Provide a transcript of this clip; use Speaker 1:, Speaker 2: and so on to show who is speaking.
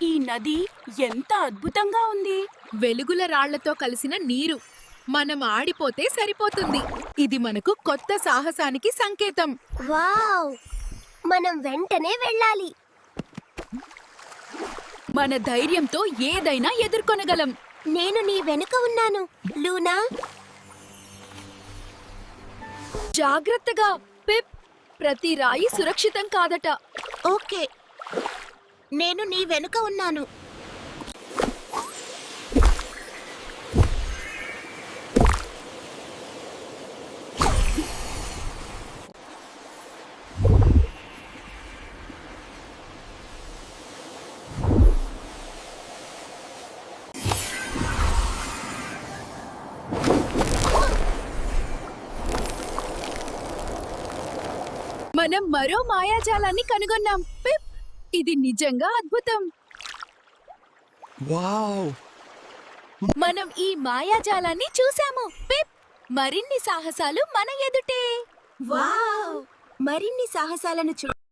Speaker 1: ఈ నది ఎంత అద్భుతంగా ఉంది.
Speaker 2: వెలుగుల రాళ్లతో కలిసిన నీరు. మనం ఆడిపోతే సరిపోతుంది. ఇది మనకు కొత్త సాహసానికి సంకేతం.
Speaker 3: వావ్! మనం వెంటనే వెళ్ళాలి.
Speaker 2: మన ధైర్యంతో ఏదైనా ఎదుర్కొనగలం.
Speaker 3: నేను నీ వెనుక ఉన్నాను, లూనా.
Speaker 2: జాగ్రత్తగా పిప్. ప్రతి రాయి సురక్షితం కాదట.
Speaker 3: ఓకే, నేను నీ వెనుక ఉన్నాను.
Speaker 2: మనం మరో మాయాజాలాన్ని కనుగొన్నాం పిప్. ఇది నిజంగా అద్భుతం.
Speaker 4: వావ్!
Speaker 2: మనం ఈ మాయాజాలాన్ని చూసాము పిప్. మరిన్ని సాహసాలు మన ఎదుటే.
Speaker 3: వావ్! మరిన్ని సాహసాలను